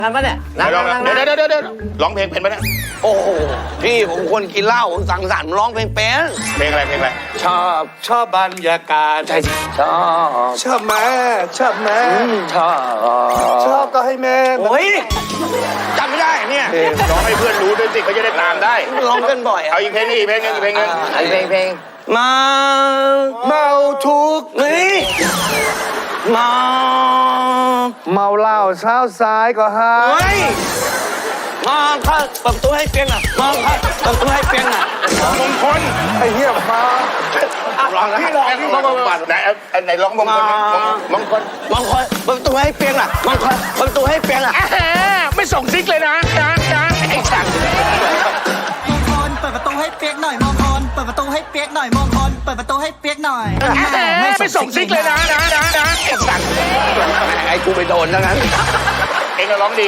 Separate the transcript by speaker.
Speaker 1: นั่งปะเนี่ยนั่ง
Speaker 2: เดี๋ยวร้องเพลงเป็นไหมเนี่ย
Speaker 1: โอ้โหพี่ผมคนกินเหล้าสังสรรค์ร้องเพลงเป็น
Speaker 2: เพลงอะไร
Speaker 1: ชอบบรรยากาศใช่สิชอบแม่ชอบก็ให้แม่โอ้ยจำไม่ได้เนี่ย
Speaker 2: ร้องให้เพื่อนรู้ด้วยสิเขาจะได้ตามได้
Speaker 1: ร้องกันบ่อย
Speaker 2: เอาอีกเพลงนึงอีกเพลงนึง
Speaker 1: เพลงเมาทุกนี่เมาเหล้าเช้าสายก็หายมาค่ะเปิดประตูให้เปียงอ่ะมาค่ะเปิดประตูให้เปียงอ่ะ
Speaker 2: มงคล
Speaker 1: ไอ้เหี้ยมา
Speaker 2: ร้องนะพี่ร้องไหนร้องมงคลมงคล
Speaker 1: เปิดประตูให้เปียงอ่ะมังคลเปิดประตูให้เปียงอ่ะ
Speaker 2: ไม่ส่งซิกเลยนะไอ้สัตว์
Speaker 3: มงคลเปิดประตูให้เปียกหน่อยมงคลเปิดประตูให้เปียกหน่อยมงคลเปิดประตูให้เปียกหน่อย
Speaker 2: ไม่ส่งซิกเลยนะไอ้สัตว์
Speaker 1: ไอ้กูไปโดนทั้งนั้น
Speaker 2: เองก็ร้องดี